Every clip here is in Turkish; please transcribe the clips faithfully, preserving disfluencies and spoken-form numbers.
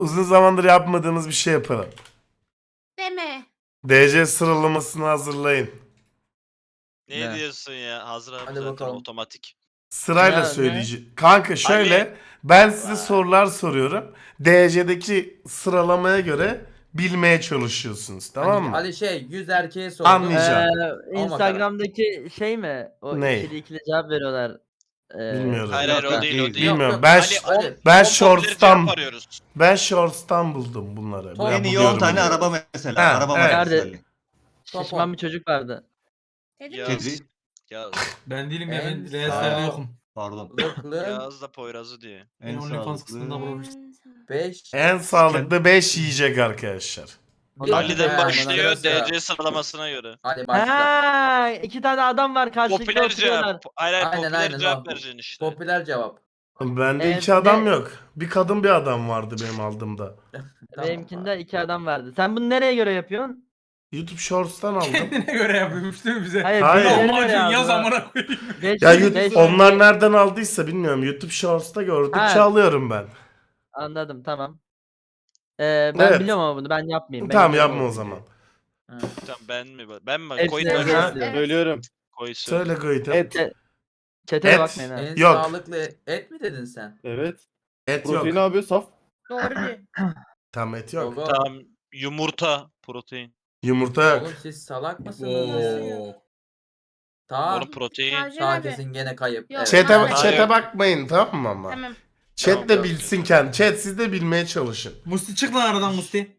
uzun zamandır yapmadığımız bir şey yapalım. Deme. D C sıralamasını hazırlayın. Ne, Ne? diyorsun ya? Hazır abi Hadi zaten bakalım. otomatik. Sırayla Ne- ne? söyleyeceğim. Kanka şöyle Ali. ben size Vay. sorular soruyorum. D C'deki sıralamaya göre bilmeye çalışıyorsunuz, tamam Hani mı? Ali şey yüz erkeğe sordu. Anlayacağım. Ee, Ama Instagram'daki şey mi? O Ne? ikili ikili cevap veriyorlar. Ee, Bilmiyorum. Hayır Yok, hayır o yok, değil o değil. değil. Yok, Bilmiyorum. yok. Ben Ali, Ali, on- ben on shorts'tan cevap arıyoruz. ben shorts'tan buldum bunları. Top- Ben En iyi buluyorum on tane bunları. araba mesela. Ha, araba evet. markası Nerede? Ali. Şişman bir çocuk vardı. Dedim Ya. mi? Kedi. Ya Ben değilim ya, En ben sağ- reeslerde yokum. Pardon. Zıklı Yağız da Poyraz'ı diyor. Ben En OnlyFans kısmında sağlıklı. bulabilirsin. beş. En sağlıklı beş yiyecek arkadaşlar. Bir- Ali'den He, başlıyor sıra sıra. D C sıralamasına göre. Hadi başla. Ha, iki tane adam var karşılıklı Popüler oturuyorlar. cevap. Hayır hayır Aynen, popüler aynen, cevap o. vereceksin işte. Popüler cevap. Bende Evet, iki adam ne- yok. Bir kadın bir adam vardı benim aldığımda. Tamam. Benimkinde iki adam vardı. Sen bunu nereye göre yapıyorsun? YouTube Shorts'tan aldım. Kendine göre yapıyormuş değil mi bize? Hayır, Hayır. birilerine göre Lahmacun yazdı. yaz amına koyayım. Beş- Ya beş- YouTube, onlar nereden aldıysa bilmiyorum. YouTube Shorts'ta gördükçe Ha. alıyorum ben. Anladım, tamam. Ee, ben Evet. biliyorum ama bunu ben yapmayayım. Ben Tamam biliyorum yapma o bunu. zaman. Tamam ben mi? Ben mi? Hepsine Koyun göre ben. Ha? diyor. Söylüyorum. Koy söyle. Söyle Goyit'e. Et. Çete- Çeteye Et. bakmayın ha. En Yok. sağlıklı et mi dedin sen? Evet. Et Protein yok. abi saf. Doğru diyor. Tamam et yok. Gogo. Tamam yumurta protein. Yumurta yok. Oğlum siz salak mısınız? Oo. Tamam. Oğlum protein. Tavcan Sağ abi. kesin gene kayıp. Yok. Evet. Chat'e, Hayır. chat'e bakmayın, tamam mı ama? Tamam. Chat de Tamam. bilsin kendi. Chat siz de bilmeye çalışın. Musti çık lan aradan Musti.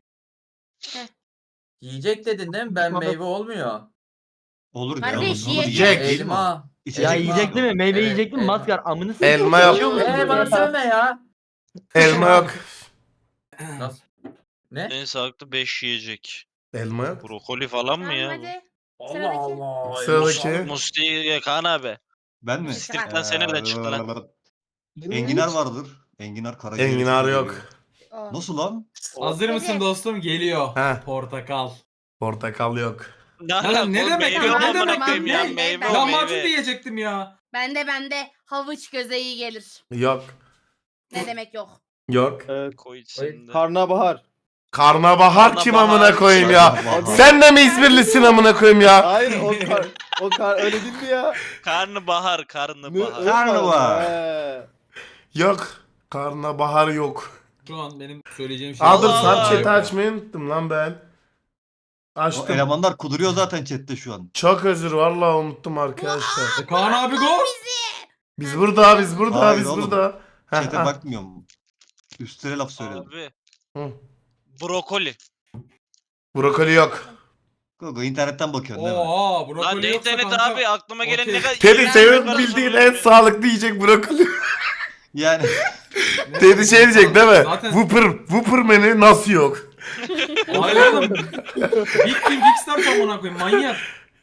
Yiyecek dedin değil mi? Ben meyve olmuyor. Olur ya. Kardeş, olur. yiyecek. Yiyecek değil mi o? Elma. İçecek Ya mi yiyecek abi? değil mi? Meyve Evet, yiyecek mi? elma. Maskar amını s***. Elma yok. Yaşıyor musun? Eee bana sövme ya. Elma yok. Nasıl? Ne? En sağlıklı beş yiyecek. Elma yok. Brokoli falan mı Tamam ya bu? hadi. Allah Sıradaki. Allah. Sıradaki. Musti Kaan abi. Ben mi? Stripten sen nereden çıktı lan? Enginar vardır. Enginar karaciğer. Enginar için yok. geliyor. O. Nasıl lan? Hazır Hadi. mısın dostum? Geliyor. He. Portakal. Portakal yok. Ne, Lan alaka ne oğlum? demek Meyve ya? Ne amına demek koyayım ya? ya? Ben- Meyve ben- o Lahmacun meyve. diyecektim ya. Bende bende havuç göze iyi gelir. Yok. Ne demek yok. Yok. Evet. Koy içinde. Karnabahar. Karnabahar kim Karnabahar. amına koyayım ya? Karnabahar. Sen de mi İzmirlisin amına koyayım ya? Hayır o kar, o kar öyle değil mi ya? Karnabahar, Ne- karnabahar. öyle Karnabahar. He. Yok. Karnabahar yok. Şu an benim söyleyeceğim şey. Aa dur Allah sarp Allah. chat'i açmayı unuttum lan ben. O Açtım. elemanlar kuduruyor zaten chatte şu an. Çok özür vallahi unuttum arkadaşlar. E, Kaan abi go. Biz burada biz burada Hayır biz oğlum. burada. Heh, Chat'e heh. bakmıyorum. Üstüne laf söyledim. Abi. Hı. Brokoli. Brokoli yok. Gogo internetten bakıyorsun değil mi? Oha brokoli Lan ne yoksa internet kanka. abi aklıma gelen Okey. ne kadar... Teddy iğrenç senin bir bildiğin karışım en ya. sağlıklı yiyecek brokoli. Yani Ne- Teddy şey diyecek değil mi? Zaten Whopper, Whopper menü nasıl yok? hayır oğlum. Big King X-Star amına koyayım manyak.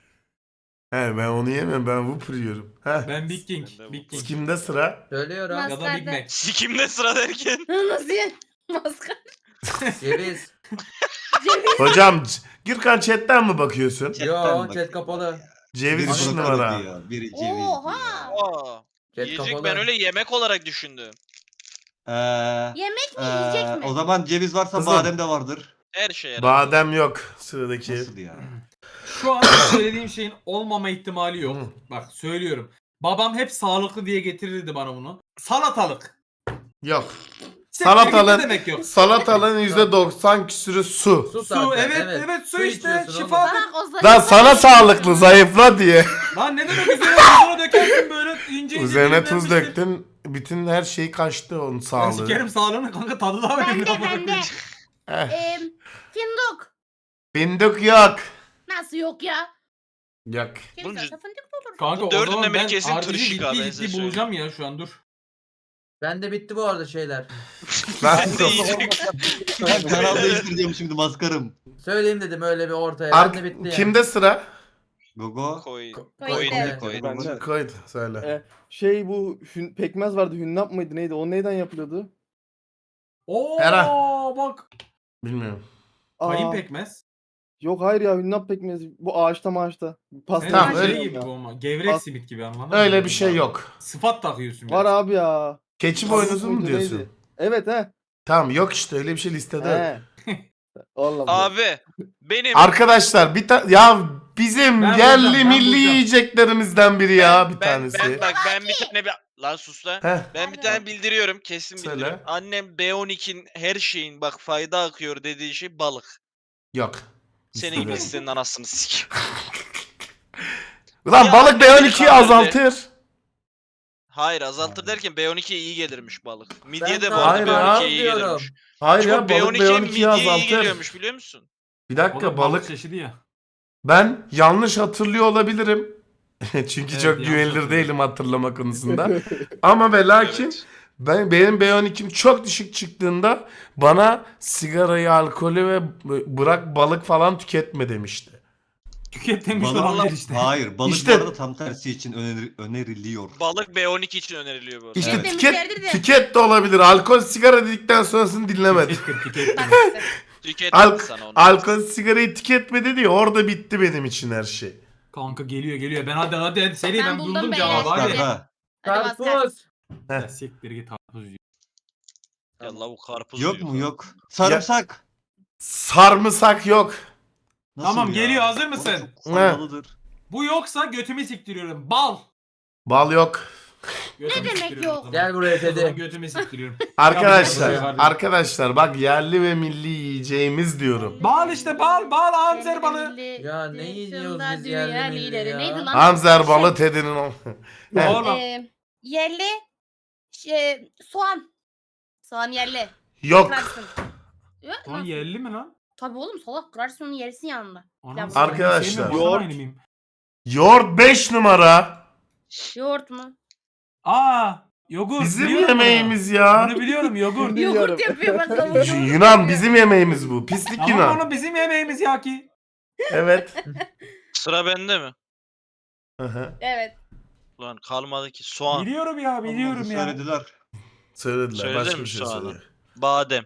He ben onu yemiyorum ben Whopper yiyorum. He. Ben Big King. Ben de Big King. Kimde sıra? Söylüyorum. Mas- Ya da Big Mac. Sikimde sıra derken. Nasıl ya? Maskar. Ceviz. Ceviz. Hocam C- Gürkan chatten mi bakıyorsun? chatten Yo bakıyorum chat kapalı. ya. Ceviz Biri üç brokoli numara. diyor, biri ceviz diyor. Oha. Aa, Chat yiyecek kapalı. ben öyle yemek olarak düşündüm. Ee, Yemek mi ee, yiyecek mi? O zaman ceviz varsa Kızım. badem de vardır. Her şey herhalde. Badem yok sıradaki. Nasıl ya? Şu an söylediğim şeyin olmama ihtimali yok. Hı. Bak söylüyorum. Babam hep sağlıklı diye getirirdi bana bunu. Salatalık. Yok. Siktir git, Salatalığın- ne demek yok. Salatalığın yüzde doksan küsürü su. Su, Su zaten, evet evet, su, işte içiyorsun oğlum. şifa. Bak o zayıf. Lan sana sağlıklı zayıfla diye. Lan ne demek üzerine tuzunu dökersin böyle ince ince. Üzerine dilimler tuz bir şey. döktün. Bütün her şey kaçtı onun Ben sağlığı. sikerim sağlığını kanka tadı daha Bende önemli. amına bende. koyayım. Eh, Eee fındık. Fındık yok. Nasıl yok ya? Yok. Kim Bunca- zaten fındık olur. Kanka Bu o dördünden zaman biri ben kesin harcı tırışık ciddi abi, ben size ciddi bulacağım ya şu an dur. Bende bitti bu arada şeyler. Ben Ben de yiyecek. Ben kanal değiştireceğim şimdi maskarım. Söyleyeyim dedim öyle bir ortaya. Ark- Bende bitti ya. Kimde sıra? Gogo. Koy. Ko- Koy Koy. de. Koy. Bende. Koydu söyle. E, şey bu hün, pekmez vardı. Hünnap mıydı neydi? O neyden yapılıyordu? Oo Hera. bak. Bilmiyorum. Aa, Kayın pekmez. Yok hayır ya hünnap pekmezi. Bu ağaçta maaçta. Pasta Tamam, Tamam, öyle- şey gibi bu ama. Gevrek Pas- simit gibi anladın mı? Öyle bir şey yok. Sıfat takıyorsun. Var biraz. abi ya. Keçi Tavuk boynuzu mu muydu, diyorsun? neydi? Evet he. Tamam yok işte öyle bir şey listede yok. He. Allah Allah. Abi benim Arkadaşlar bir ta- ya bizim Ben yerli bulacağım, ben milli bulacağım. yiyeceklerimizden biri ya bir ben, tanesi. Ben, bak ben bir tane bir... Lan sus lan. Heh, Ben bir tane bildiriyorum. Kesin Söyle. bildiriyorum. Annem B on ikinin her şeyin bak fayda akıyor dediği şey balık. yok. Senin Listede gibi yok. senin anasını sik. Ulan Ya balık annem B on beni ikiyi kandırdı. azaltır. Hayır azaltır derken B on ikiye iyi gelirmiş balık. Midye de bu Hayır arada ya. B on ikiye iyi diyorum. gelirmiş. Hayır Çünkü ya B on balık B ikiye on ikiyi midyeye iyi azaltır. geliyormuş biliyor musun? Bir O dakika da balık balık. çeşidi ya. Ben yanlış hatırlıyor olabilirim. Çünkü Evet, çok yanlış güvenilir hatırlıyorum. değilim hatırlama konusunda. Ama ve lakin Evet. ben benim B on ikim çok düşük çıktığında bana sigarayı, alkolü ve bırak balık falan tüketme demişti. Tüket demiş Balık, olabilir işte. hayır balık İşte- bu arada tam tersi için öneri- öneriliyor. Balık B on iki için öneriliyor bu arada. İşte Evet. tüket, Demişlerdir de. tüket de olabilir. Alkol, sigara dedikten sonrasını dinlemedim. Tükettir, tükettir. Bak işte. Tüketmedi Alk sana onu. alkol, sigarayı tüketme dedi ya orada bitti benim için her şey. Kanka geliyor geliyor. Ben hadi hadi hadi seri Ben ben, buldum buldum beyler. cevabı hadi. Maskar. Hadi Maskar. Karpuz. Ya siktir git karpuz yiyor. Ya lavuk karpuz Yok diyor. mu yok. Sarımsak. Sarımsak yok. Nasıl Tamam, ya? geliyor, hazır O mısın? çok faydalıdır. Bu yoksa götümü siktiriyorum. Bal. Bal yok. Götümü demek siktiriyorum yok? o zaman. Gel buraya O zaman Teddy. götümü siktiriyorum. Arkadaşlar, Ya, arkadaşlar bak yerli ve milli yiyeceğimiz diyorum. Bal işte bal bal anser balı. Ya ne yiyoruz biz Dünya yerli milli lideri. ya? Neydi lan? Anzer balı Teddy'nin o. Heh, Oğlum. Ee, yerli şey, soğan. Soğan yerli. yok. Kırarsın. Yok, Lan nasıl? yerli mi lan? Tabii oğlum salak kırarsın onu yersin yanında. Anam, Ya, sen Arkadaşlar. sevmiyorum, Yoğurt. vatan haini miyim? Yoğurt beş numara. Yoğurt mu? Aa, yogur. Bizim biliyorum yemeğimiz Bunu. ya. bunu biliyorum yogur. Biliyorum. Yoğurt yapıyor bakalım. Yunan bizim yemeğimiz bu. Pislik Tamam Yunan. oğlum bizim yemeğimiz ya ki. Evet. Sıra bende mi? Hı hı. Evet. Ulan kalmadı ki soğan, Biliyorum ya biliyorum Olmazsa ya. Söylediler. Söylediler. Söylediler Başka mi bir şey soğanı? söyledi. badem,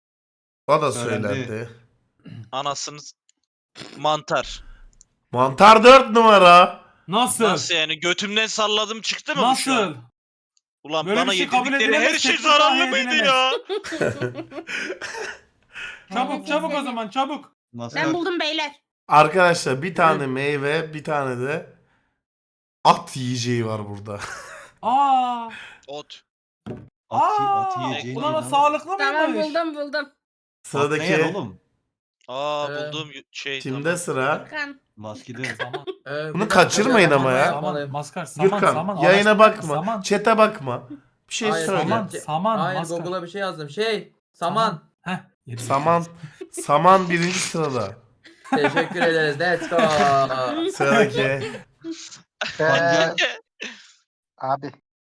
O da Söylendi. söylendi. anasını s- mantar. Mantar dört numara. Nasıl? Nasıl yani götümden salladım çıktı mı bu şu an? Nasıl? Ulan Böyle bana bir şey kabul yedirdikleri her edilemez, şey teknik zararlı dahi mıydı edilemez. ya? Çabuk çabuk o zaman çabuk. Maskar. Ben buldum beyler. Arkadaşlar bir tane meyve, bir tane de at yiyeceği var burada. Aa. Ot. At, Aa. at yiyeceğin Ulan o inan- sağlıklı Tamam mıymış? buldum buldum. At ne yer Sıradaki oğlum? Aa Ee, bulduğum y- şey kimde tamam. sıra? Furkan. Maskede. Saman. Ee, bir Bunu dakika, kaçırmayın bir ama dakika, ya. Saman, yapmalıyım. maskar, saman, Gürkan saman. yayına araştır- bakma. Saman. Chat'e bakma. Bir şey Hayır, söyle. Saman, saman, Hayır maskar. Google'a bir şey yazdım. Şey, saman. Heh. yedim. Saman. Saman birinci sırada. Teşekkür ederiz. Let's go. Sıradaki. Pancar. Abi.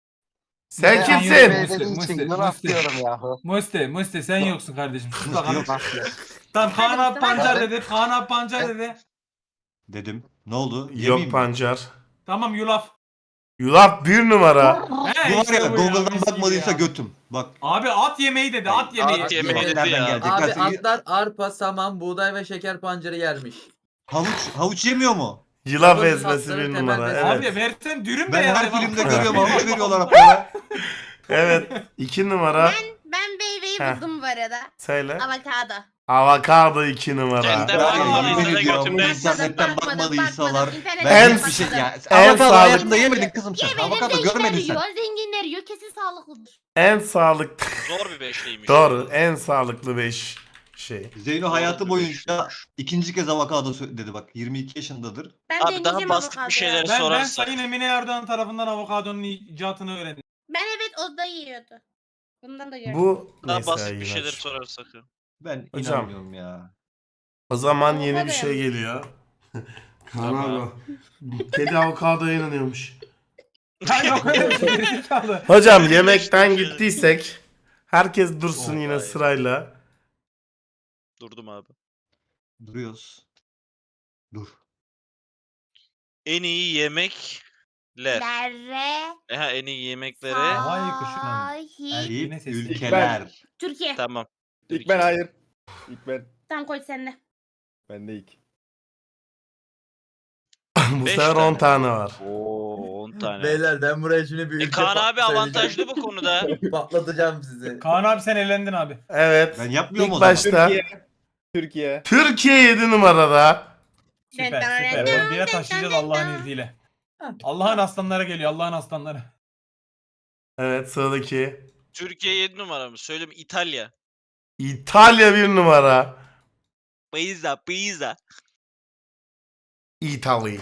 Sen Ben kimsin? yokum. Dediğin Musti, için bunu Musti. atlıyorum yahu. Musti, Musti sen yoksun kardeşim. Sus bakalım. Yok. Tamam Kaan Hadi abi Mustafa. pancar dedi. Kaan abi pancar dedi. Dedim. Ne oldu? Yemeyeyim Yok mi? pancar. Tamam yulaf. Yulaf bir numara. He, Bu var işte ya bu Google'dan mis gibi bakmadıysa ya. götüm. Bak. Abi at yemeği dedi. At yemeği. At yemeği dedi Nereden ya. gelecek? Abi Nasıl- atlar arpa, saman, buğday ve şeker pancarı yermiş. Havuç, havuç yemiyor mu? Yulaf Havuç ezmesi tatları bir temel numara. besin. Abi Evet. versen dürüm Ben de her yani. filmde Bak- görüyorum havuç veriyorlar atlara. Evet. iki numara. Ben meyveyi Heh. buldum bu arada. Söyle. Avokado. Avokado iki numara. Kendi Ben bakmadıysa yemin da ediyorum bu götümden. internetten Bakmadım, bakmadıysalar. bakmadım. İnternetten Ben En- hiçbir şey ya. en Avokado sağlıklı- hayatında yemedin kızım sen. Yemedim, Avokado zenginler görmedin sen. yiyor, zenginler yiyor, kesin sağlıklıdır. En sağlıklı. Zor bir beşliymiş. Doğru. En sağlıklı beş şey. Zeyno hayatı Doğru boyunca demiş. ikinci kez avokado sö- dedi bak. yirmi iki yaşındadır. Ben Abi daha deneyeceğim basit bir avokadoyu. şeyler Ben, ben sorarsak. Sayın Emine Erdoğan tarafından avokadonun icatını öğrendim. Ben evet o da yiyordu. Bundan da gördüm. Bu Daha neyse basit ya, bir şeyler yine. sorarsak. Ben Hocam. inanmıyorum ya. O zaman yeni bir Avokado şey ya. geliyor. Kaan Tamam. abi. Kedi avokadoya inanıyormuş. Ha yok öyle bir şey. Gerizekalı. Hocam yemekten gittiysek herkes dursun Oh, yine vay. sırayla. Durdum abi. Duruyoruz. Dur. En iyi yemekler. Lere. Eha en iyi yemeklere. Havai kuşunun Sahil. Yine Eyüp sesli. ülkeler. Türkiye. Tamam. İlk ben hayır. İlk ben. Tamam koy sen de. Ben de ilk. Bu Beş sefer on tane. tane var. Oo on tane. Beyler ben buraya şimdi bir E, ülke Kaan pat- abi söyleyeceğim. avantajlı bu konuda. Patlatacağım sizi. Kaan abi sen elendin abi. Evet. Ben yapmıyorum İlk o zaman. başta Türkiye. Türkiye. Türkiye yedi numarada. Süper süper. On bire taşıyacağız Allah'ın izniyle. Allah'ın aslanları geliyor Allah'ın aslanları. Evet, sıradaki. Türkiye yedi numara mı? Söyleyeyim İtalya. İtalya bir numara. Pizza pizza. İtalya.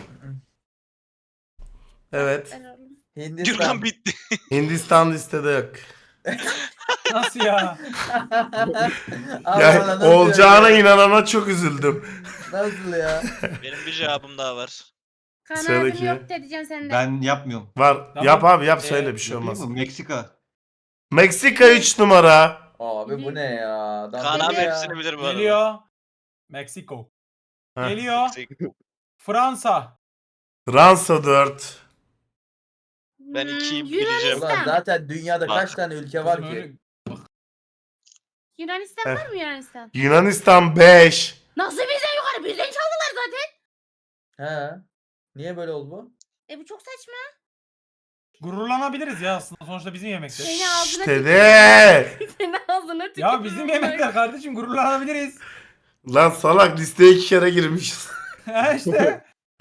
Evet. Hindistan. Gürkan bitti. Hindistan listede yok. Nasıl ya? Allah Ya Allah, nasıl olacağına ya? inanana çok üzüldüm. Nasıl ya? Benim bir cevabım daha var. Kaan Sıradaki. abim yok diyeceğim senden. Ben yapmıyorum. Var. Tamam. Yap abi yap Ee, söyle bir şey Yapayım olmaz. mı? Meksika. Meksika üç numara. Abi bu ne ya? Adam Kaan abi deli ya. hepsini bilir bu arada. Geliyor. Meksiko. Heh. Geliyor. Fransa. Fransa dört. Ben ikiyi Hmm, bileceğim. Ulan Yunanistan. zaten dünyada Bak. kaç tane ülke var Kızım ki? öyle- Yunanistan Heh. var mı Yunanistan? Yunanistan beş. Nasıl bizden yukarı? Bizden çaldılar zaten. He. Niye böyle oldu bu? E bu çok saçma. Gururlanabiliriz ya aslında sonuçta bizim yemekler. Seni ağzına İşte tüküreyim. de. Seni ağzına tüküreyim. Ya bizim yemekler kardeşim gururlanabiliriz. Lan salak listeye iki kere girmişiz. Ha işte.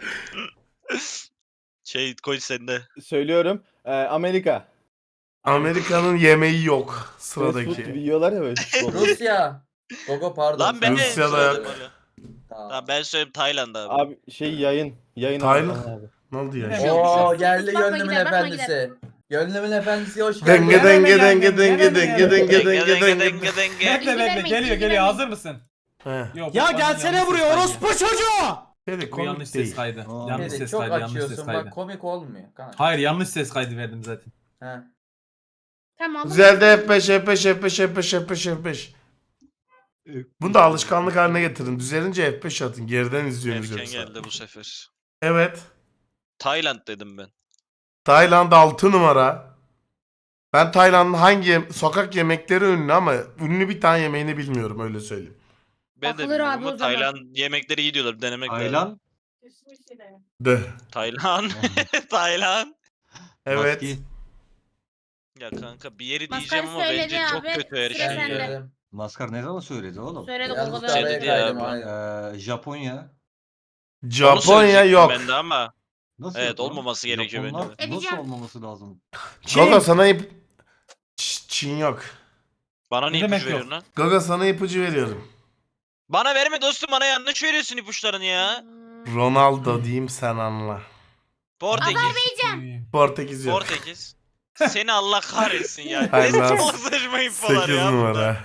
Şey koy sende. Söylüyorum. Ee, Amerika. Amerika'nın yemeği yok Fast food gibi sıradaki. yiyorlar ya böyle. futbolu. Rusya. Gogo pardon. Lan ben de Rusya'da söyledim yok. öyle. Tamam. Tamam ben söyleyeyim Tayland abi. Abi şey yayın. Yayın Tayland. abi. abi. Ne oldu ya? Ne şimdi? Oo geldi Bakma gönlümün gider, bakma efendisi. Gönlümün efendisi hoş geldin. Denge denge Gelme, denge gelme, denge gelme, denge gelme. denge Denge denge denge denge. denge denge. Bekle İlgi bekle vermeyin, geliyor ilgi geliyor vermeyin. hazır mısın? He. Yok, Ya bu gelsene yanlış buraya ses kaydı. orospu çocuğu. Dedi Bu komik yanlış ses değil. kaydı. Aa. Yanlış Beni ses çok kaydı yanlış ses açıyorsun kaydı. bak komik olmuyor. Kaan. Hayır yanlış ses kaydı verdim zaten. He. Tamam. Güzel F beş F beş F beş F beş F beş F beş. Bunu da alışkanlık haline getirin. Düzelince F beş atın. Geriden izliyoruz Erken yoksa. geldi bu sefer. Evet. Tayland dedim ben. Tayland altı numara. Ben Tayland'ın hangi yem- sokak yemekleri ünlü ama ünlü bir tane yemeğini bilmiyorum öyle söyleyeyim. Ben de Bakılır bilmiyorum abi o ama zaman. Tayland yemekleri iyi diyorlar. Denemek lazım. Tayland. De. Tayland. Tayland. Evet. Maski. Ya kanka bir yeri Maskar diyeceğim ama söyledi bence çok abi, kötü her sıra şey Ben sende. ya. söyledim. Maskar ne zaman söyledi oğlum? Söyledi Yanlış Google'da. Şey araya dedi ya kaydım bu. aynen. Ee, Japonya. Onu Japonya söyleyecektim yok. Ben de ama Nasıl Evet, yok oğlum? olmaması gerekiyor bence Japonlar de. Nasıl Edeceğim. olmaması lazım? Gogo sana ip... Ç- Çin yok. bana Ne ne demek ipucu veriyorsun lan? Gogo sana ipucu veriyorum. Bana verme dostum, bana yanlış veriyorsun ipuçlarını ya. Hmm. Ronaldo diyeyim sen anla. Portekiz. Portekiz yok. Portekiz. Seni Allah kahretsin ya. Hayır Ne lan. çok saçma infolar sekiz ya. numara.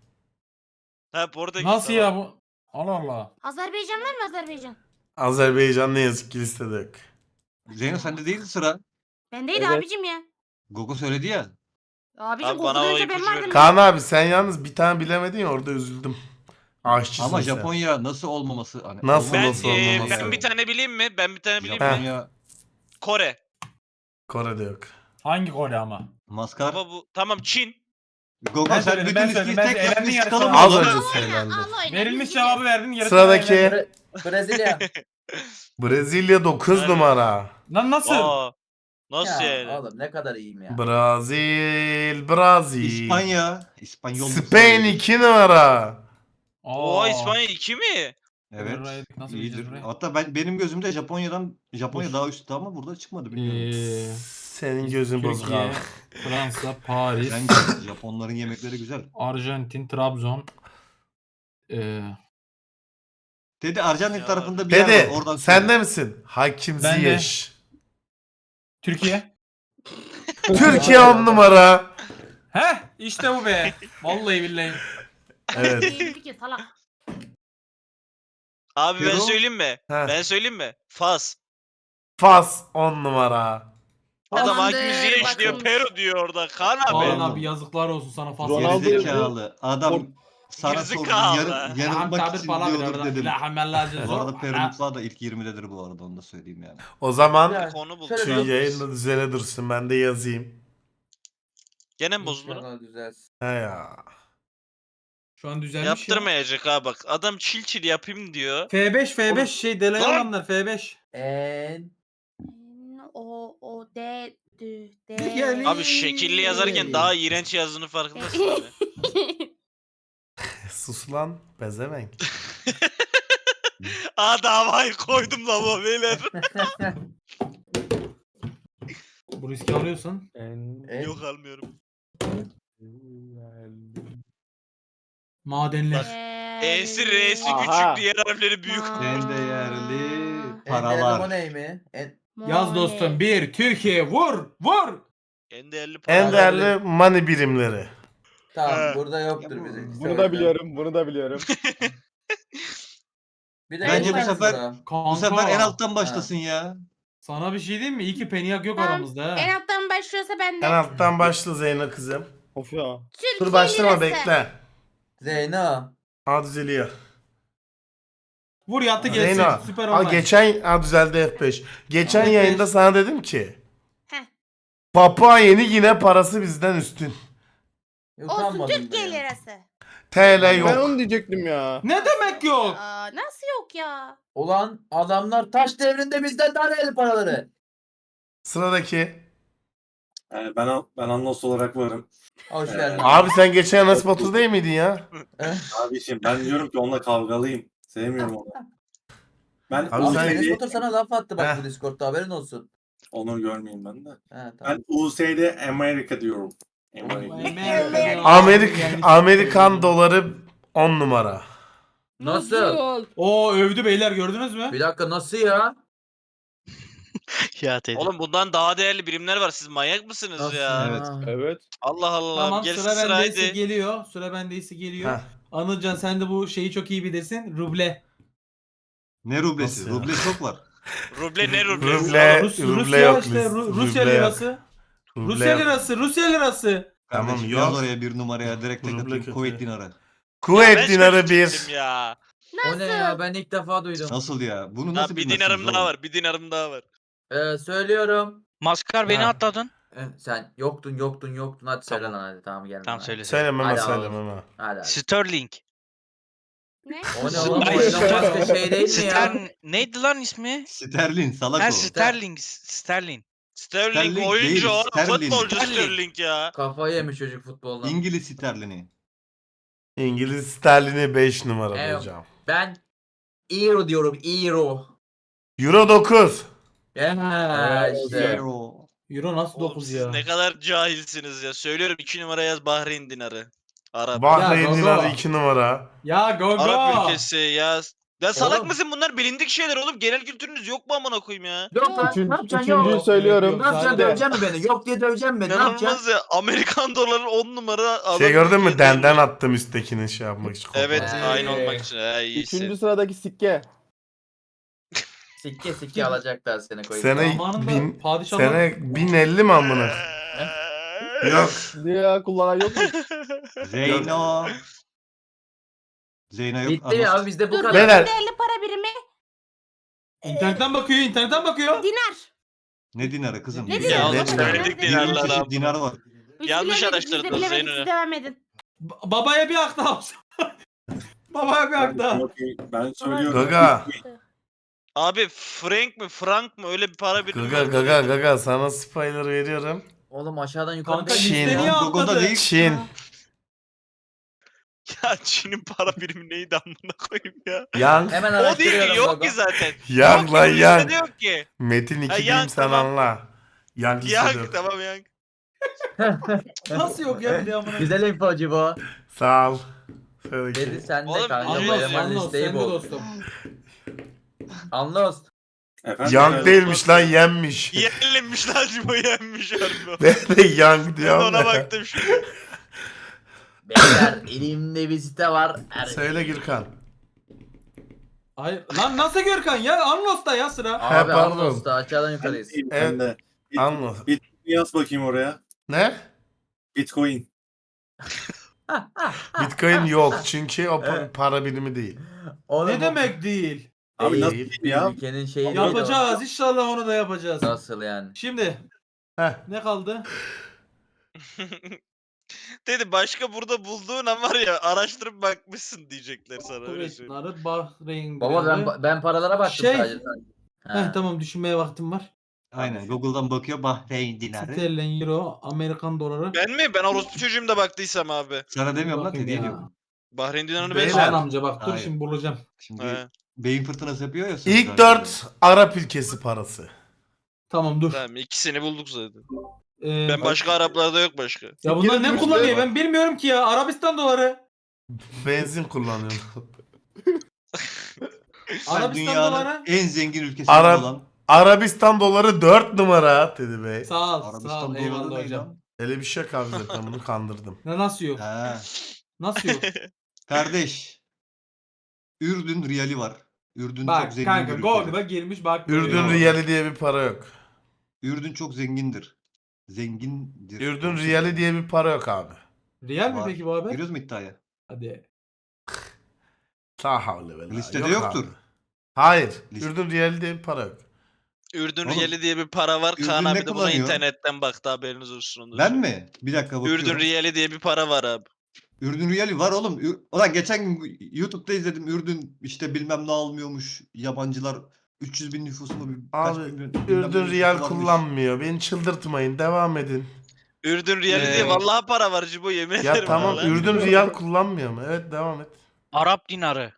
Ha Portekiz. Nasıl tamam. ya bu? Allah Allah. Azerbaycan var mı Azerbaycan? Azerbaycan ne yazık ki listede yok. Zeyno sende değildi sıra. Bendeydi Evet. abicim ya. Gogo söyledi ya. Abicim Abi bana o Google'da önce ben ipucu vardım. verin. Kaan abi sen yalnız bir tane bilemedin ya orada üzüldüm. Aşçısın Ama sen. Japonya nasıl olmaması? Hani Nasıl Ben, Nasıl e, olmaması? ben bir tane bileyim mi? Ben bir tane bileyim mi? Japonya Kore. Kore'de yok. Hangi Kore ama? maskar. Ama bu tamam Çin. Gogo Ben sen söyledim, bütün ben listeyi söyledim. Ben tek elendin yapmış yarısını çıkalım. Az oğlum. önce söylendi. Al oyna, Verilmiş biz cevabı verdin. yarısını Sıradaki- elendin. Bre- Brezilya. Brezilya dokuz Evet. numara. Lan nasıl? Aa, nasıl Ya yani? oğlum ne kadar iyiyim ya. Brazil, Brazil. İspanya. İspanyol. Spain iki numara. Oo İspanya iki mi? Evet. Buraya- Nasıl iyidir. bileceğiz burayı? Hatta ben benim gözümde Japonya'dan Japonya Dur. daha üstte ama burada çıkmadı bilmiyorum. Ee, Senin gözün bozuk Türkiye, abi. Fransa, Paris, Bence Japonların yemekleri güzel. Arjantin, Trabzon. Ee, Dedi Arjantin Ya. tarafında bir yer var. Dede Oradan sen söyle. de misin? Hakim Ben de. Ziyech. Türkiye. Türkiye on numara. Heh işte bu be. Vallahi billahi. Evet. İyi fikir salak. Abi ben Peru? söyleyeyim mi? Heh. Ben söyleyeyim mi? Fas. Fas on numara. Adam Tamamdır, hakim Ziyech diyor, bakın. Peru diyor orada. Kaan abi. Kaan Oğlum. abi yazıklar olsun sana fazla. Ronaldo- Gerizekalı. Adam sana sordu. Gerizekalı. Yarı, yanılmak için diyordur dedim. Bu arada Peru Ha, mutfağı da ilk yirmidedir bu arada onu da söyleyeyim yani. O zaman Ya, Konu bu. şöyle şu bir- yayında düzene dursun ben de yazayım. Gene mi bozuldu? İnşallah düzelsin. He ya. Şu an düzelmiş Yaptırmayacak ha bak. Adam çil çil yapayım diyor. ya. F beş F beş Oğlum- şey delay Lan! olanlar F beş. En O o D D D. Yani- Abi şekilli yazarken daha iğrenç yazdığını farkındasın abi. Sus lan pezevenk. Aa davayı koydum lan bu beyler. Bu riski alıyorsun. En... en Yok almıyorum. Madenler. E'si R'si Aha. küçük, diğer harfleri büyük. En değerli en paralar. değerli mi? En Yaz dostum. Bir Türkiye vur vur. En değerli para. En değerli money birimleri. tamam He. burada yoktur bizim. Bunu da biliyorum, bunu da biliyorum. Bir de Bence bu en sefer- sonra. Kanka. Bu sefer en alttan başlasın ya. Sana bir şey diyeyim mi? İyi ki Peniak yok Tamam, aramızda ha. En alttan başlıyorsa ben de. En alttan başla Zeyno kızım. Of ya. Türkiye Dur başlama lirası. bekle. Zeyno. Ha düzeliyor. Vur yattı gelsin. Zeyno. Süper Ha online. geçen ha düzeldi F beş. Geçen F beş. yayında sana dedim ki. Heh. Papua Yeni Gine parası bizden üstün. Olsun Utanmadın da Türkiye ya. lirası. T L Ben yok. onu diyecektim ya. Ne demek yok? Aa, nasıl yok ya? Ulan adamlar taş devrinde bizden daha değerli paraları. Sıradaki. Yani ben ben Anlos olarak varım. Hoş Ee, geldin. Abi sen geçen Enes Batur değil miydin ya? Abiciğim ben diyorum ki onunla kavgalıyım. Sevmiyorum onu. Ben Abi U sen- S Enes D Batur sana laf attı bak Heh. bu Discord'da haberin olsun. onu görmeyeyim ben de. He Ben tamam. U S D Amerika diyorum. Amerika. Amerik Amerikan doları on numara. Nasıl? Oo övdü beyler gördünüz mü? Bir dakika nasıl ya? Ya Oğlum bundan daha değerli birimler var. Siz manyak mısınız Nasıl ya? Evet. Evet. Allah Allah. Tamam Gelsin sıra bendeyse sıraydı. geliyor. Sıra bendeyse geliyor. Heh. Anılcan sen de bu şeyi çok iyi bilirsin. Ruble. Ne rublesi? Nasıl ya? Ruble çok var. Ruble ne ruble? Ruble, Rus, ruble Rusya yok. işte Rus- Ru- Rusya ruble yok. lirası. Ruble Rusya yok. lirası, Rusya lirası. Tamam, Kardeşim, yok. Yaz oraya bir numaraya direkt tek Ruble atayım. kötü. Kuveyt dinarı. Ya Kuveyt ben dinarı söyleyecektim bir. Ya. O ne ya ben ilk defa duydum. Nasıl ya? Bunu Ha, nasıl bir bilmezsiniz dinarım daha oğlum? var. Bir dinarım daha var. Ee, söylüyorum. Maskar beni Ha. atladın. Eh, sen yoktun yoktun yoktun hadi söyle Tamam. lan hadi tamam gel. Tamam lan, söyle. Söylememe Hadi söylememe. Hadi hadi. hadi. Sterling. Ne? O ne oğlum? O Ay, Elon Musk'ın şey değil mi ya? Stern neydi lan ismi? Sterlin salak Ha o. Sterling. Sterling. Sterling, Sterling oyuncu değil, oğlum. Sterling. Futbolcu Sterling. Sterling ya. Kafayı yemiş çocuk futboldan. İngiliz sterlini. İngiliz sterlini beş numara Evet. hocam. Ben Euro diyorum Euro. Euro dokuz. Ya işte. Euro. Euro nasıl Oğlum dokuz siz ya? ne kadar cahilsiniz ya. Söylüyorum iki numara yaz Bahreyn dinarı. Arap. Bahreyn Ya, dinarı Gogo. iki numara. Ya go Arap go. ülkesi yaz. Ya salak Oğlum. mısın bunlar bilindik şeyler oğlum. Genel kültürünüz yok mu amına koyayım ya? Yok lan Üçüncü, ne yapacaksın üçüncüyü yok. söylüyorum. Yok, Ne yapacaksın Sadece- döveceksin mi beni? Yok diye döveceksin beni ne yapacaksın? İnanılmaz ya. Amerikan doları on numara. adam Şey gördün mü? ülke Denden değeri- attım üsttekini şey yapmak için. Evet Ee. aynı olmak için. He iyisi. Üçüncü sıradaki sikke. Sikke sikke alacaklar seni koyup. Sene Zamanında bin, padişahlar- sene bin elli mi amına? Yok. Diye ya kullanan yok mu? Zeyno. Zeyno yok. Bitti ya abi bizde bu Dur kadar. Beyler. değerli para birimi İnternetten bakıyor, internetten bakıyor. dinar. Ne dinarı kızım? Ne Ya dinarı? oğlum Ne söyledik dinarı? dinarlar Çeşit abi. dinar var. Biz Yanlış bilemedik, biz de araştırdınız bilemedik, Zeyno. siz devam edin. Ba- babaya bir hak daha olsun. Babaya bir hak daha. Çok iyi. Ben söylüyorum. Gaga. Abi frank mı frank mı öyle bir para birimi Gaga var. gaga gaga sana spoiler veriyorum. Oğlum aşağıdan yukarı Kanka Çin. liste niye Google'da atladı? değil. Çin. Ya Çin'in para birimi neydi amına koyayım ya. Yang. Hemen O değil araştırıyorum. ki yok Gogo. ki zaten. Yang Yok ki, lan bu yang. listede yok ki. Metin Ha, iki yang, bilim sen tamam. anla. Yang listede Yang yok. tamam yang. Nasıl yok ya bir de amına? Güzel infocu bu. Sağ ol. Söyle Dedi ki. sen de Oğlum, kanka. anlos, bu Anlos, eleman anlos, listeyi sen de bul. dostum. Anlos. Efendim, Yang ben- değilmiş lan yenmiş. Yenilmiş lan Cimo yenmiş harbi. Ben de yang Ben diyorum ona ya. baktım şimdi. Beyler elimde bir site var. Er- Söyle Gürkan. Hayır. Lan nasıl Görkan ya? Anlos'ta ya sıra. He, Abi pardon. Anlos'ta aşağıdan yukarıyız. Ben de. Bit- Anla. Yaz bakayım oraya. Ne? Bitcoin. Bitcoin yok çünkü o pa- Evet. para birimi değil. Oğlum, Ne demek değil? Abi Değil. nasıl değil ya? Ülkenin şeyi değil Yapacağız. İnşallah onu da yapacağız. o. Nasıl yani? Şimdi Heh. ne kaldı? Dedi başka burada bulduğun an var ya araştırıp bakmışsın diyecekler sana öyle Kuveyt söyleyeyim. dinarı, Bahreyn Baba ben dinarı. ben paralara baktım Şey- sadece. Ha. Heh, tamam düşünmeye vaktim var. Aynen Google'dan bakıyor Bahreyn dinarı. Sterlin, euro, Amerikan doları. Ben mi? Ben orospu çocuğum da baktıysam abi. Sana demiyorum lan Bakayım hediye ya. diyorum. Bahreyn dinarını Beyler. ben Kaan amca bak dur Hayır. şimdi bulacağım. Şimdi He. beyin fırtınası yapıyor ya. İlk sözler dört Arap ülkesi parası. Tamam dur. Tamam ikisini bulduk zaten. Ee, Ben başka Araplarda yok başka. Ya bunlar ne Türkler kullanıyor var. ben bilmiyorum ki ya. Arabistan doları. Benzin kullanıyorum. Sen Arabistan dünyanın doları. en zengin ülkesi Arap- olan Arabistan doları dört numara Teddy Bey. Sağ ol, sağ Arabistan ol. doları Eyvallah ne hocam. lan? Öyle bir şey yok abi zaten bunu kandırdım. Ne nasıl yok? He. Nasıl yok? Kardeş. Ürdün riyali var. Ürdün çok Bak zengin kanka bir Google'a ülkedir. girmiş bak. Ürdün görüyor. riyali diye bir para yok. Ürdün çok zengindir. Zengindir. Ürdün Çok riyali zengin. diye bir para yok abi. Real mi Var. peki bu haber? Görüyoruz mu iddiayı? Hadi. La havle ve la. Listede Yok yoktur. abi. Hayır. Liste- Ürdün riyali diye bir para yok. Ürdün Oğlum, riyali diye bir para var. Ürdün Kaan ne abi de buna kullanıyor? internetten baktı haberiniz olsun. onu da Ben söyleyeyim. mi? Bir dakika bakıyorum. Ürdün riyali diye bir para var abi. Ürdün riyali var oğlum. Ür- Ulan geçen gün YouTube'da izledim. Ürdün işte bilmem ne almıyormuş. Yabancılar üç yüz bin nüfusu mu? bir- kaç Abi bin- bilmem ne Ürdün nüfusu riyal varmış. kullanmıyor. Beni çıldırtmayın. Devam edin. Ürdün riyali Ee, diye vallahi para var Cibo yemin Ya ederim. tamam vallahi. Ürdün riyal kullanmıyor mu? Evet devam et. Arap dinarı.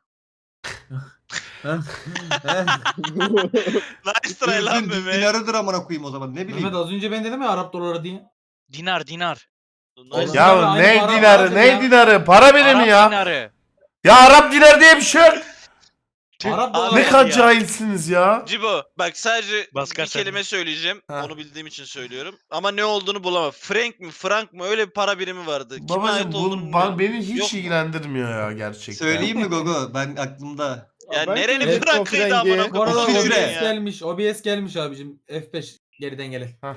Nice try lan Ürdün Mehmet. dinarıdır amına koyayım o zaman. Ne bileyim. Mehmet az önce ben dedim ya Arap doları diye. Dinar dinar. Nice. Oğlum, Ya aynı ne para dinarı vardır ne ya. dinarı? Para birimi ya. dinarı. Ya Arap dinarı diye bir şey yok. Arap Abi doları. Ne ya. kadar cahilsiniz ya. Cibo bak sadece Baskar bir sen. kelime söyleyeceğim. Ha. Onu bildiğim için söylüyorum. Ama ne olduğunu bulamam. Frank mi Frank mı öyle bir para birimi vardı. Kime Babacım ait bu olduğunu ba- bilmiyorum. beni hiç Yok mu? ilgilendirmiyor ya gerçekten. Söyleyeyim mi Gogo? Ben aklımda. Ya Ben nerenin söyleyeyim, Frank'ıydı Frank amına Frank. Bu arada koyayım. İsviçre. O B S ya. gelmiş. O B S gelmiş abicim. F beş geriden gelen. Hah.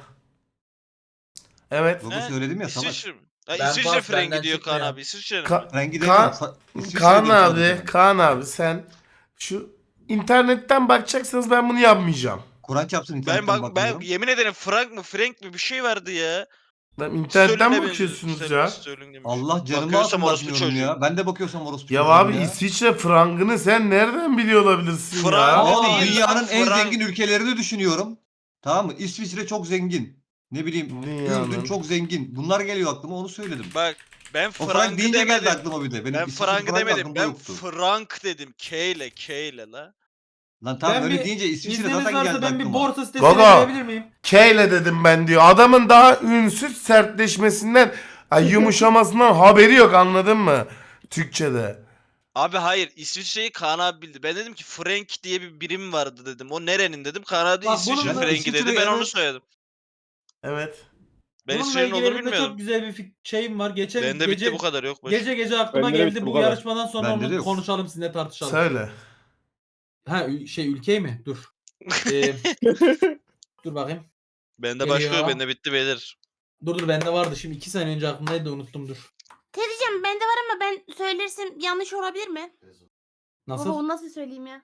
Evet. Gogo He? söyledim ya salak. İsviçre mi? Ha, Ben İsviçre pas, Frank'i benden diyor Kaan çıkmıyor. abi. İsviçre mi? Ka- Rengi Ka- demiyorum. Sa- İsviçre Kaan diyeyim abi, sadece. Kaan abi sen şu internetten bakacaksanız ben bunu yapmayacağım. Kur'an çarpsın Ben internetten bak ben bakmıyorum. yemin ederim Frank mı Frank mi bir şey vardı ya. Ben internetten Sterling'e mi benziyor, bakıyorsunuz Sterling, ya? Sterling demiş. Allah canımı Bakıyorsam alsın orospu bakmıyorum çocuğu. ya. Ben de bakıyorsam orospu Ya çocuğum abi ya. İsviçre frangını sen nereden biliyor olabilirsin Frank- ya? Oğlum değil dünyanın lan, en Frank. zengin ülkelerini düşünüyorum. Tamam mı? İsviçre çok zengin. Ne bileyim Dünyanın. Ürdün çok zengin. Bunlar geliyor aklıma onu söyledim. Bak ben O Frank Frank'ı deyince geldi demedim. aklıma bir de. Benim Ben İsviçre Frank'ı Frank demedim. aklımda Ben yoktu. Frank dedim. K ile K ile la. Lan tamam Ben öyle bir- deyince İsviçre İzniniz zaten varsa geldi ben bir aklıma. borsa sitesine Gogo. girebilir miyim? K ile dedim ben diyor. Adamın daha ünsüz sertleşmesinden, ay yumuşamasından haberi yok anladın mı? Türkçe'de. Abi hayır İsviçre'yi Kaan abi bildi. Ben dedim ki Frank diye bir birim vardı dedim. O nerenin dedim. Kaan abi de Bak İsviçre bunun da Frank'i İsviçre dedi. Ben onu evet. söyledim. Evet. Ben Bununla İsviçre'nin ilgili olduğunu elimde bilmiyordum. çok güzel bir fik- şeyim var. Geçen Bende gece bitti bu kadar yok. Başka. gece gece aklıma Bende de geldi bitti, bu bu kadar. yarışmadan sonra Bende de onu yok. konuşalım sizinle tartışalım. Söyle. Ha ü- şey ülke mi? Dur. Ee, dur bakayım. Bende başka yok. Geliyor. Bende bitti beyler. Dur dur bende vardı. Şimdi iki saniye önce aklımdaydı da unuttum dur. Teyzeciğim bende var ama ben söylersem yanlış olabilir mi? Baba Nasıl? onu nasıl söyleyeyim ya?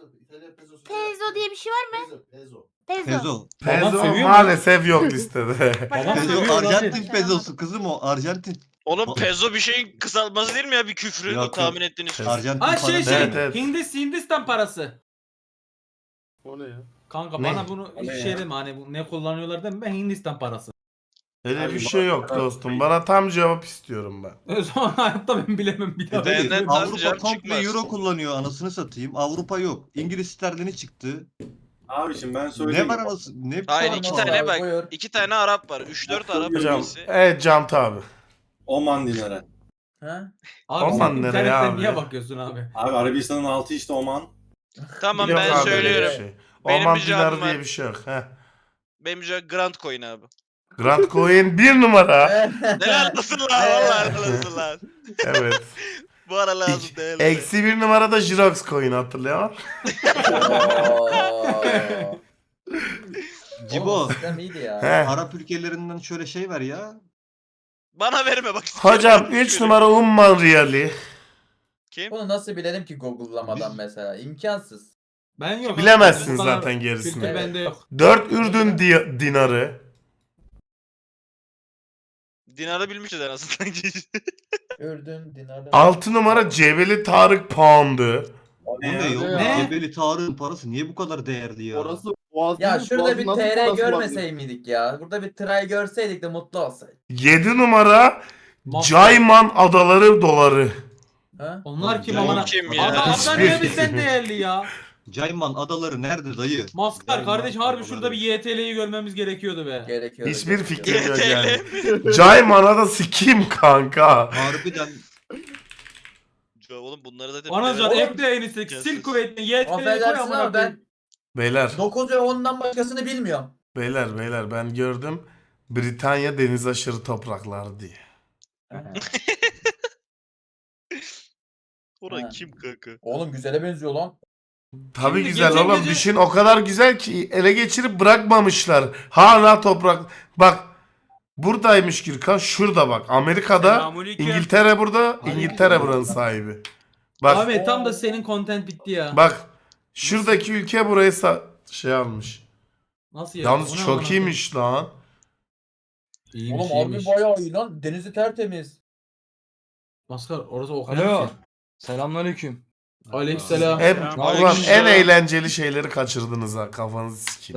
Pezo diye bir şey var mı? Pezo. Pezo. Babam Pezo seviyor mu? maalesef yok listede. Babam Pezo seviyor lan. Arjantin pezosu kızım o Arjantin. Oğlum O- pezo bir şeyin kısaltması değil mi ya bir küfrü? Yok, o yok. tahmin ettiğiniz küfür. Arjantin Ha şey parası. şey. Evet, evet. Hindis, Hindistan parası. O ne ya? Kanka Ne? bana bunu O ne şey ya? deme hani bu ne kullanıyorlar deme ben Hindistan parası. Öyle Abi bir bak- şey yok dostum. Bana tam cevap istiyorum ben. O zaman hayatta ben bilemem bir daha. E tabii, Benden Avrupa cevap komple çıkmaz. euro kullanıyor anasını satayım. Avrupa yok. İngiliz sterlini çıktı. Abi şimdi ben söyleyeyim. Ne var anasını? Ne Hayır var iki anasını? tane abi, bak. buyur. iki tane Arap var. üç dört Arap Hocam ülkesi. evet Cant abi. Oman dinarı. Ha? Abi Aman sen nereye internetten abi? niye bakıyorsun abi? Abi Arabistan'ın altı işte Oman. Tamam Yok ben abi öyle bir söylüyorum. şey. Benim Oman bir cevabım dinarı diye var. bir şey yok. Heh. Benim cevap Grand Coin abi. Grand Coin bir numara. Helal olsun lan vallahi helal olsun lan. Evet. Bu ara lazım İki- değil. Eksi bir numarada Jirox Coin hatırlıyor musun? Oo. Cibo. Oğlum, sistem iyiydi ya. He. Arap ülkelerinden şöyle şey ver ya. Bana verme bak. Hocam üç numara Umman Riyali. Kim? Bunu nasıl bilelim ki Google'lamadan mesela? İmkansız. Ben yok. Bilemezsin Bana- zaten Kültür gerisini. Evet. bende yok. dört Ürdün di- dinarı. Dinar'ı bilmişiz en azından. Ürdün, Dinar'ı. altı numara Cebeli Tarık Pound'u. O Bu ne ya? ya? Ne? Cebeli Tarık'ın parası niye bu kadar değerli ya? Orası boğaz Ya değil mi? şurada Boğazın bir nasıl T R parası var görmesey miydik ya? Burada bir tray görseydik de mutlu olsaydık. yedi numara Maskar. Cayman Adaları doları. Ha? Onlar kim Cayman amına? kim ya? Ada, ada Hiçbir- niye bizden değerli ya? Cayman adaları nerede dayı? Maskar Cayman kardeş harbi adaları. şurada bir Y T L'yi görmemiz gerekiyordu be. Gerekiyor. Hiçbir gerekiyor. fikrim yok Y T L yani. Cayman'a da sikeyim kanka. Harbiden Ya oğlum bunları zaten Anacan bilemem. ekle en iyisi. Gelsin. Sil kuvvetini Y T L'yi koy Affedersin amına ama koyayım. ben Beyler, dokuz ve ondan başkasını bilmiyorum. beyler, beyler ben gördüm. Britanya deniz aşırı topraklar diye. Orhan Ha. kim kanka? Oğlum güzele benziyor lan. Tabii Şimdi güzel geçen oğlum. gece- Düşün o kadar güzel ki ele geçirip bırakmamışlar. Hala toprak. Bak buradaymış Gürkan. Şurada bak. Amerika'da Selamünaleyküm. İngiltere burada. İngiltere buranın sahibi. Bak Ahmet tam da senin content bitti ya. bak. Şuradaki ülke burayı sa- şey almış. Nasıl ya? Yalnız Bu ne çok amına koyayım? iyiymiş lan. İyiymiş, Oğlum harbi iyiymiş. bayağı iyi lan. Denizi tertemiz. Maskar orası okyanus Alo. ya. Selamünaleyküm. Aleykümselam. Hep, Selam. ulan en Aleykümselam. eğlenceli şeyleri kaçırdınız ha. Kafanızı sikeyim.